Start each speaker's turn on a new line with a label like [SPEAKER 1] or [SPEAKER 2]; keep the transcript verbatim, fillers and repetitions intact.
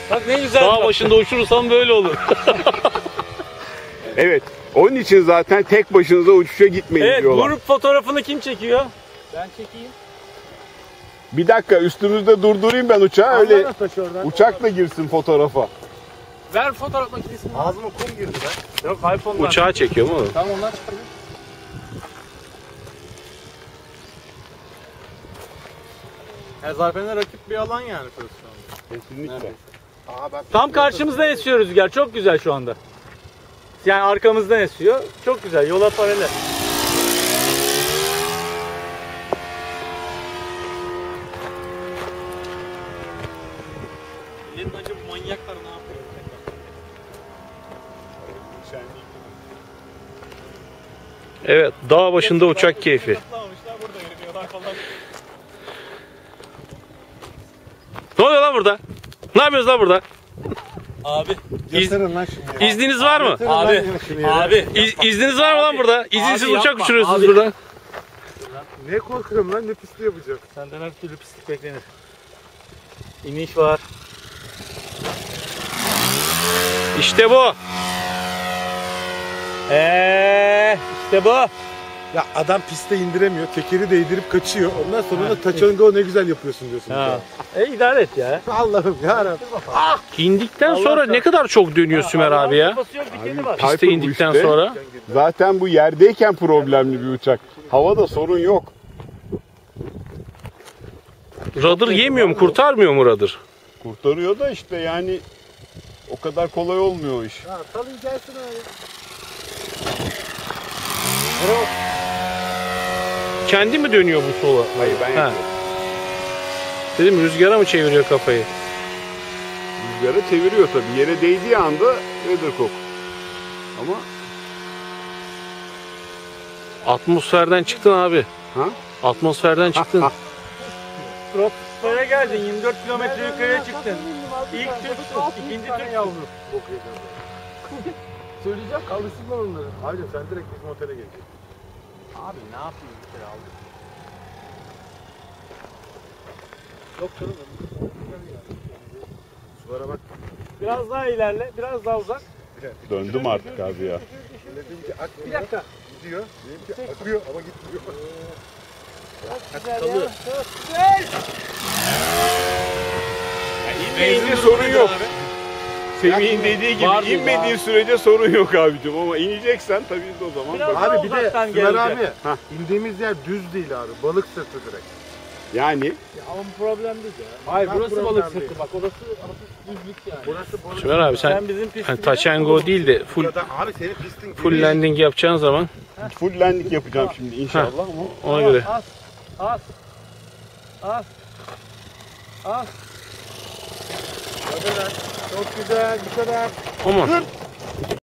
[SPEAKER 1] Bak ne güzel.
[SPEAKER 2] Dağ başında uçurursam böyle olur.
[SPEAKER 3] Evet. Onun için zaten tek başınıza uçuşa gitmeyin
[SPEAKER 1] Evet,
[SPEAKER 3] diyorlar.
[SPEAKER 1] grup fotoğrafını kim çekiyor?
[SPEAKER 4] Ben çekeyim.
[SPEAKER 3] Bir dakika üstümüzde durdurayım ben uçağı öyle
[SPEAKER 4] Al taşı oradan.
[SPEAKER 3] uçakla girsin fotoğrafa.
[SPEAKER 4] Ver fotoğraf makinesini. Ağzıma kum girdi lan.
[SPEAKER 1] Yok iPhone'dan.
[SPEAKER 2] Uçağı çekiyor mu?
[SPEAKER 4] Tamam ondan çıkarıyor. Ya Zarfen'e rakip bir alan yani şurası şu anda.
[SPEAKER 3] Kesinlikle.
[SPEAKER 4] Aa, ben
[SPEAKER 1] Tam karşımızdan esiyor rüzgar. Çok güzel şu anda. Yani arkamızdan esiyor. Çok güzel. Yola paralel. Elin acı bu manyaklar ne yapıyor?
[SPEAKER 2] Evet, dağ başında uçak keyfi. Ne oluyor lan burada? Ne yapıyoruz lan burada?
[SPEAKER 1] Abi.
[SPEAKER 2] İz,
[SPEAKER 4] lan şimdi.
[SPEAKER 2] izniniz var mı?
[SPEAKER 1] Abi. Abi.
[SPEAKER 2] İz, izniniz var mı lan burada? İzinsiz
[SPEAKER 1] Abi
[SPEAKER 2] uçak
[SPEAKER 1] yapma,
[SPEAKER 2] uçuruyorsunuz
[SPEAKER 1] abi.
[SPEAKER 2] burada.
[SPEAKER 4] Ne korkuyorum lan, ne pisliği yapacak.
[SPEAKER 1] Senden her türlü pislik beklenir. İniş var.
[SPEAKER 2] İşte bu.
[SPEAKER 1] Eee işte bu.
[SPEAKER 5] Ya adam piste indiremiyor, tekeri değdirip kaçıyor. Ondan sonra da taçanga ne güzel yapıyorsun diyorsun.
[SPEAKER 1] Ha. E idare et ya.
[SPEAKER 5] Allah'ım yarabbim.
[SPEAKER 2] İndikten sonra ne kadar çok dönüyor Sümer abi ya.
[SPEAKER 1] Kafası yok, dikeni var.
[SPEAKER 3] Tayfur
[SPEAKER 2] Piste
[SPEAKER 3] bu
[SPEAKER 2] indikten
[SPEAKER 3] işte.
[SPEAKER 2] sonra.
[SPEAKER 3] Zaten bu yerdeyken problemli bir uçak. Havada sorun yok.
[SPEAKER 2] Rudder yemiyor mu, kurtarmıyor mu rudder?
[SPEAKER 3] Kurtarıyor da işte yani o kadar kolay olmuyor o iş.
[SPEAKER 5] Ha, salın gelsin abi.
[SPEAKER 2] Kendi mi dönüyor bu sola?
[SPEAKER 3] Hayır ben
[SPEAKER 2] Ha.
[SPEAKER 3] yapıyorum.
[SPEAKER 2] Dedim rüzgara mı çeviriyor kafayı?
[SPEAKER 3] Rüzgara çeviriyor tabii. Yere değdiği anda weathercock. Ama
[SPEAKER 2] Atmosferden çıktın abi.
[SPEAKER 3] ha?
[SPEAKER 2] Atmosferden çıktın.
[SPEAKER 1] Stratosfere geldin, yirmi dört kilometre yukarıya çıktın. İlk Türksün, ikinci Türk yavru.
[SPEAKER 5] Söyleyeceğim, alışsınlar onları. Hayır sen direkt bizim otele geleceksin.
[SPEAKER 4] Abi ne yapayım bir kere aldım.
[SPEAKER 5] Yok canım. Sulara bak.
[SPEAKER 1] Biraz daha ilerle, biraz daha uzak.
[SPEAKER 3] Döndüm artık abi ya.
[SPEAKER 5] Dediğince akmıyor.
[SPEAKER 1] Bir dakika.
[SPEAKER 5] Gidiyor. Benimki akıyor ama gitmiyor.
[SPEAKER 1] Güzel ya, çok güzel.
[SPEAKER 3] İnmeyince sorun yok. Semih'in dediği gibi
[SPEAKER 1] Vardı
[SPEAKER 3] inmediğin
[SPEAKER 1] ya.
[SPEAKER 3] sürece sorun yok abicim ama ineceksen tabii o zaman
[SPEAKER 1] Biraz
[SPEAKER 3] bak-
[SPEAKER 1] daha
[SPEAKER 5] Abi bir de
[SPEAKER 1] uzaktan
[SPEAKER 5] Sümer
[SPEAKER 1] gelecek.
[SPEAKER 5] abi,
[SPEAKER 3] Hah.
[SPEAKER 5] indiğimiz yer düz değil abi. Balık sırtı direkt.
[SPEAKER 3] yani
[SPEAKER 1] Ya ama bu problem değil ya. Hayır
[SPEAKER 5] Ben
[SPEAKER 1] burası
[SPEAKER 5] problem
[SPEAKER 1] balık
[SPEAKER 5] değil.
[SPEAKER 1] sırtı bak, orası hafif düzlük yani.
[SPEAKER 5] Burası balık.
[SPEAKER 2] Sümer abi sen
[SPEAKER 1] Sen bizim pisti
[SPEAKER 2] hani
[SPEAKER 1] biliyor
[SPEAKER 2] taçango
[SPEAKER 1] musun?
[SPEAKER 2] değil de full
[SPEAKER 5] Burada abi senin pistin
[SPEAKER 2] full landing yapacağın zaman
[SPEAKER 3] full landing yapacağım şimdi inşallah ama
[SPEAKER 2] ona göre.
[SPEAKER 1] Az, az, az, az.
[SPEAKER 5] Çok güzel, bu kadar.
[SPEAKER 2] Aman.